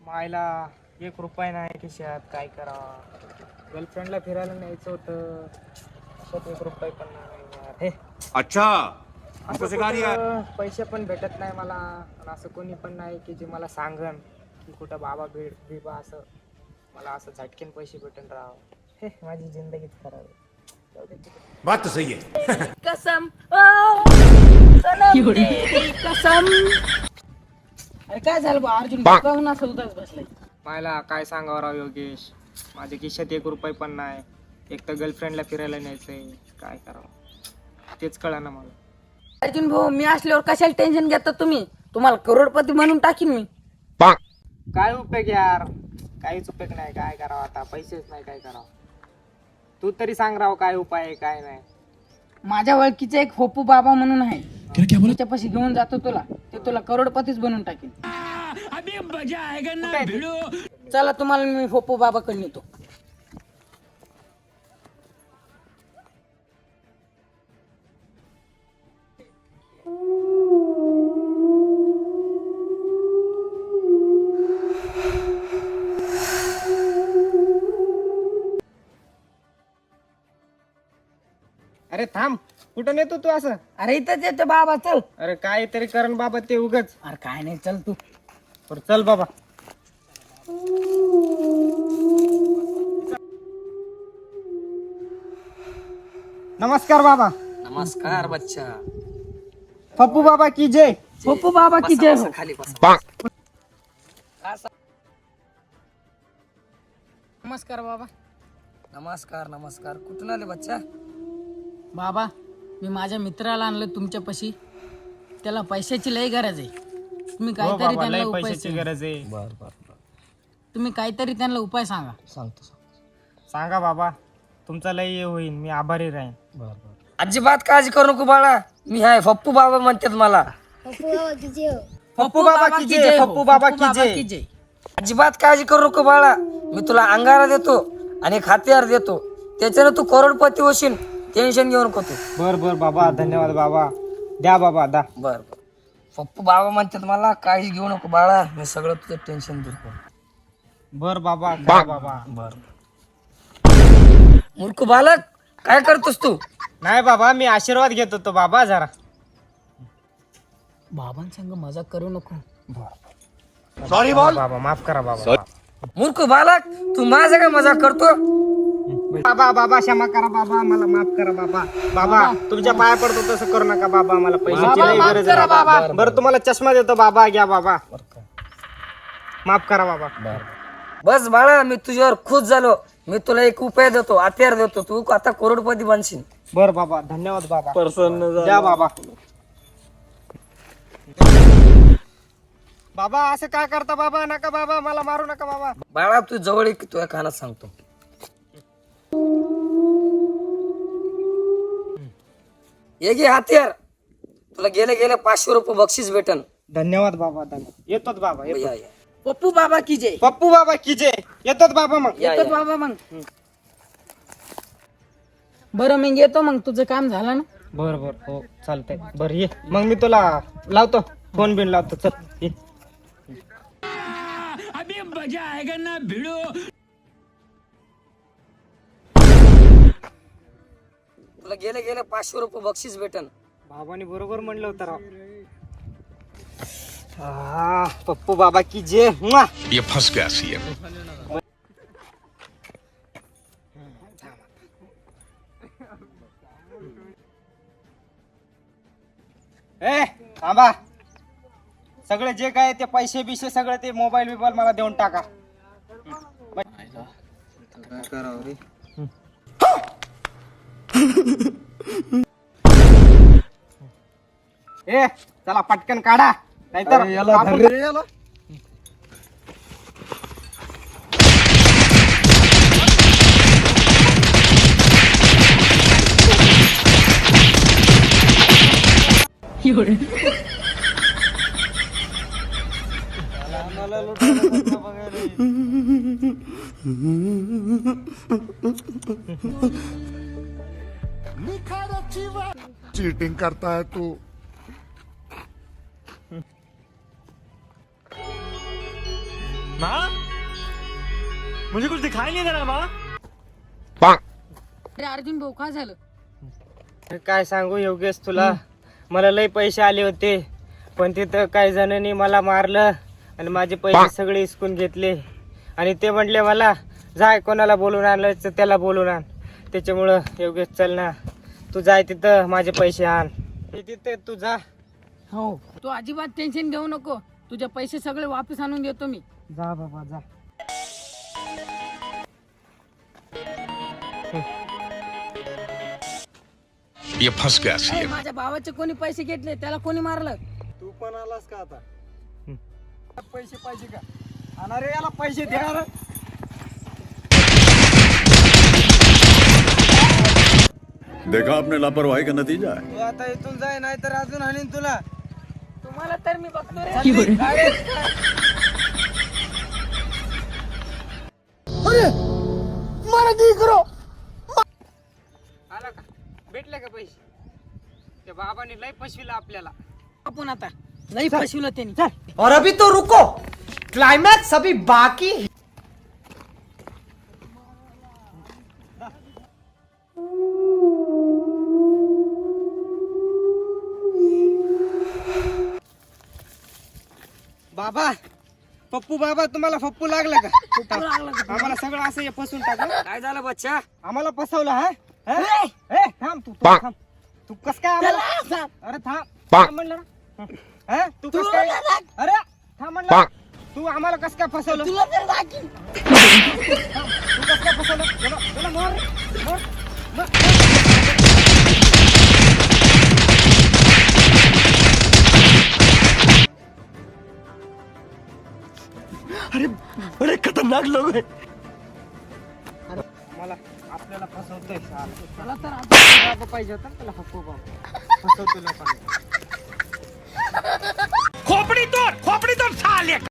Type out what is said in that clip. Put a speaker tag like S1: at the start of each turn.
S1: मायला 1 रुपया नाही खिशात, काय करावं. गर्लफ्रेंडला फिरायला न्यायचं होतं, खिशात 1 रुपया पण नाही यार. हे
S2: अच्छा
S1: असं कुठं पैसे पण भेटत नाही मला, आणि असं कोणी पण नाही की जे मला सांगन की कुठं बाबा भेट बिबा, असं मला असं झटकेन पैसे भेटून राहावं. हे माझी जिंदगीच खराब आहे. जाऊ दे तिकडे.
S2: बात तो सही है.
S3: कसम सनम तेरी कसम. अरे काय झालं बा अर्जुन, काहून असं उदास बसलाय?
S1: मायला काय सांगावं राव योगेश, माझ्या खिशात 1 रुपया पण नाही. एक तर गर्लफ्रेंडला फिरायला न्यायचंय, काय करावं तेच कळना मला.
S3: अर्जुन भाऊ, मी असल्यावर कशाला टेन्शन घेता तुम्ही? तुम्हाला करोडपती म्हणून टाकीन मी.
S1: काय उपयोग यार, काहीच उपयोग नाही. काय करावं आता, पैसेच नाही, काय करावं. तू तरी सांग राव काय उपाय आहे काय नाही.
S3: माझ्या ओळखीचा एक होपू बाबा म्हणून आहे, त्याच्यापाशी घेऊन जातो तुला, ते तुला करोडपतीच बनवून टाकेल. चला तुम्हाला मी होपू बाबाकडे नेतो.
S1: अरे थांब, कुठं नेतो तू असं?
S3: अरे इथंच येतो बाबा, चल.
S1: अरे काय तरी करण बाबा ते उगच.
S3: अरे काय नाही, चल तू.
S1: बरं चल बाबा. नमस्कार बाबा.
S4: नमस्कार बच्चा.
S1: पप्पू बाबा की जय.
S3: होपू बाबा की जय हो.
S4: खाली बसा.
S3: नमस्कार बाबा.
S4: नमस्कार नमस्कार. कुठून आले बच्चा?
S3: बाबा, मी माझ्या मित्राला आणलं तुमच्यापाशी, त्याला पैशाची लई गरज आहे. तुम्ही
S1: हो
S3: काहीतरी
S1: बाबा,
S3: त्यांना
S1: लय
S3: उपाय
S1: पैशाची
S3: सांगा.
S1: गरज आहे.
S4: बर बर बर.
S3: तुम्ही काहीतरी त्यांना उपाय सांगा.
S4: सांगतो.
S1: सांगा बाबा, तुमचा लय हे होईल, मी आभारी राहीन.
S4: बर बर. अजिबात काळजी करू नको बाळा, मी आहे पप्पू बाबा म्हणतात मला.
S1: पप्पू बाबा की जय. पप्पू बाबा की जय.
S4: अजिबात काळजी करू नको बाळा, मी तुला अंगारा देतो आणि एक हत्यार देतो, त्याच्यानं तू करोडपती होशील. टेन्शन घेऊ नको तू.
S1: बर बर बाबा, धन्यवाद बाबा. द्या बाबा दा.
S4: बर बर. पप्पू बाबा म्हणतात मला, काळजी घेऊ नको बाळा, मी सगळं तुझं टेन्शन दूर करतो.
S1: बर बाबा, करा बाबा.
S4: बर. मूर्ख बालक, काय करतोस तू?
S1: नाही बाबा, मी आशीर्वाद घेत होतो बाबा जरा.
S3: बाबांसंग मजाक करू नको.
S2: सॉरी बोल.
S1: बाबा माफ करा बाबा.
S4: मूर्ख बालक, तू माझा काय मजाक करतो?
S1: बाबा बाबा क्षमा करा बाबा, मला माफ करा बाबा. बाबा तुमच्या पाया पडतो, तसं करू नका बाबा, मला पैशाची लई गरज आहे बाबा. बरं तुम्हाला चष्मा देतो बाबा, घ्या बाबा. माफ करा बाबा.
S4: बस बाळा, मी तुझ्यावर खुश झालो. मी तुला एक उपाय देतो, हत्यार देतो, तू आता करोडपती बनशील.
S1: बर बाबा, धन्यवाद बाबा. द्या बाबा. बाबा असं काय करता बाबा, नका बाबा, मला मारू नका बाबा.
S4: बाळा तू जवळ एक, तुझ्या कानात सांगतो. ये घे हत्यार, तुला गेले गेले 500 रुपये बक्षीस भेटन.
S1: धन्यवाद बाबा, धन्यवाद. येतोच बाबा, येतो.
S4: या, या.
S3: पप्पू बाबा की जय.
S1: पप्पू बाबा की जय. येतोच बाबा मग.
S4: या,
S3: येतो
S4: या.
S3: बाबा मग. बरं मी येतो मग, तुझं काम झालं ना?
S1: बर बर, हो चालतंय. बर ये मग, मी तुला लावतो फोन बिन लावतो. चल ये.
S4: तुला गेले गेले 500 रुपये बक्षीस भेटन.
S1: बाबाने बरोबर म्हणलं होतं राव. पप्पू बाबा की जय. मुआ.
S2: ये फंस गया सीएम.
S1: ए थांबा, सगळे जे काय ते पैसे बिशे सगळे ते मोबाईल बिबाईल मला देऊन टाका. ए चला पटकन काढा, नाहीतर
S2: चीटिंग करता है तू.
S5: माँ मुझे कुछ दिखाई नहीं दे रहा माँ.
S3: अरे अर्जुन भाऊ काय झालं?
S1: अरे काय सांगू योगेश तुला, मला लय पैसे आले होते पण तिथं काही जणांनी मला मारलं आणि माझे पैसे सगळे हिसकून घेतले आणि ते म्हटले मला जाय कोणाला बोलून आणलं तर त्याला बोलून आण. त्याच्यामुळं योगेश चल ना तू जाय तिथं माझे पैसे आण. तिथे तू जा.
S3: हो तू अजिबात टेन्शन घेऊ नको, तुझे पैसे सगळे वापस आणून देतो मी.
S1: जा बाबा जा.
S2: ये फंस गया
S3: ए,
S2: सीएम.
S3: माझ्या भावाचे कोणी पैसे घेतले, त्याला कोणी मारलं?
S5: तू पण आलास का आता?
S1: पैसे पाहिजे का? अरे याला पैसे द्या.
S6: देखा आपने लापरवाही का नतीजा है.
S1: तू आता इथून जाय नाही तर अजून आणीन तुला.
S3: तुम्हाला तर मी बघतो रे.
S1: आला का? भेटले का पैसे? त्या बाबाने लय फसविला आपल्याला.
S3: आपण आता लई फसवलं त्यांनी.
S7: और अभी तो रुको, क्लाइमैक्स अभी बाकी है.
S1: बाबा पप्पू बाबा तुम्हाला फप्पू लागला का? आम्हाला सगळं असं हे फसवून टाकलं.
S4: काय झालं बच्चा?
S1: आम्हाला फसवलं हा? हा? ए, थांब तू थांब. तू कस काय आम्हाला? अरे थांब. थांब म्हणलं ना. हा? तू कस काय? अरे थांब म्हणलं. तू आम्हाला कस काय फसवलं? तू कस काय फसवलं? चला मोर मोर.
S5: अरे खतरनाक लोग हैं.
S1: मला आपल्याला फसवतोय साला.
S3: त्याला तर आता
S1: बाबा पाहिजे होता ना त्याला फप्पू बाबा. फसवतो लोकांना.
S2: खोपड़ी तोड़ साले.